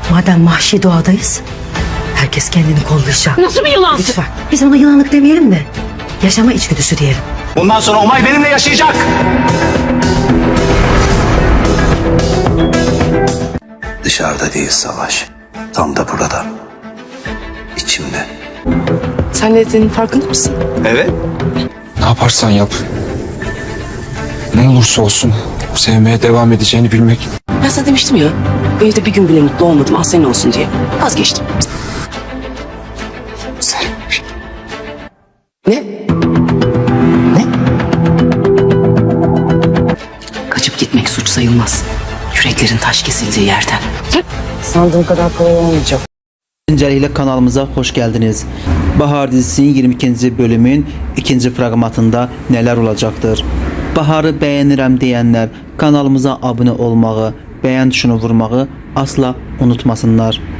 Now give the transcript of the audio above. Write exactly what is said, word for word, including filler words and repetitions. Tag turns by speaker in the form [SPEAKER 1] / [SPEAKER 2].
[SPEAKER 1] Madem vahşi doğadayız, herkes kendini kollayacak.
[SPEAKER 2] Nasıl bir yılansın?
[SPEAKER 1] Lütfen. Biz ona yılanlık demeyelim de yaşama içgüdüsü diyelim.
[SPEAKER 3] Bundan sonra Umay benimle yaşayacak.
[SPEAKER 4] Dışarıda değil savaş. Tam da burada. İçimde.
[SPEAKER 2] Sen ne dediğinin farkında mısın?
[SPEAKER 3] Evet.
[SPEAKER 5] Ne yaparsan yap. Ne olursa olsun sevmeye devam edeceğini bilmek.
[SPEAKER 2] Ben sana demiştim ya, bu evde bir gün bile mutlu olmadım, ah senin olsun diye. Vazgeçtim.
[SPEAKER 5] Sen
[SPEAKER 2] Ne? Ne? Kaçıp gitmek suç sayılmaz. Yüreklerin taş kesildiği yerden. Sandığım kadar kolay olmayacak.
[SPEAKER 6] Öncelikle kanalımıza hoş geldiniz. Bahar dizisinin yirmi ikinci bölümün ikinci fragmentında neler olacaktır? Baharı beğenirəm diyenler kanalımıza abone olmağı, beğen tuşunu vurmağı asla unutmasınlar.